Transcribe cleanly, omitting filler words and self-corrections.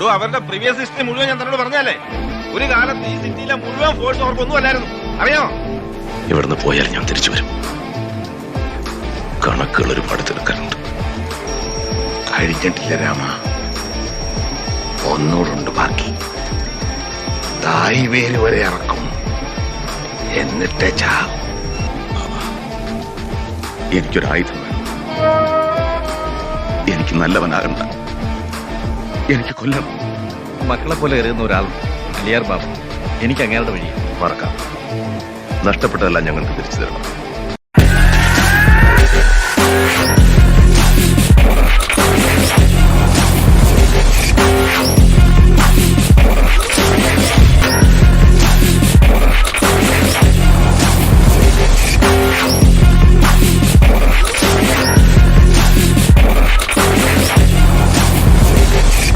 അവരുടെ previous history മുഴുവൻ ഞാൻ തന്നോട് പറഞ്ഞാലേ, ഒരു കാലത്ത് ഈ സിറ്റിയിലെ മുഴുവൻ ഫോഴ്സ് അവർക്കൊന്നും അല്ലായിരുന്നു, അറിയാമോ? ഇവിടുന്ന് പോയാൽ ഞാൻ തിരിച്ചു വരും. കണക്കുകൾ ഒരുപാട് തീർക്കാനുണ്ട്. കഴിഞ്ഞിട്ടില്ല രാമ, ഒന്നുകൂടുണ്ട് ബാക്കി. തായ് വേര് വരെ ഇറക്കും, എന്നിട്ടേ ചാവും. എനിക്കൊരായുധം വേണം. എനിക്ക് നല്ലവനാകണ്ട, എനിക്ക് കൊല്ലണം. മക്കളെ പോലെ എറിയുന്ന ഒരാൾ അലിയാർ ബാബു, എനിക്ക് അങ്ങേരുടെ വഴി മറക്കാം. നഷ്ടപ്പെട്ടതെല്ലാം ഞങ്ങൾക്ക് തിരിച്ചു തരണം.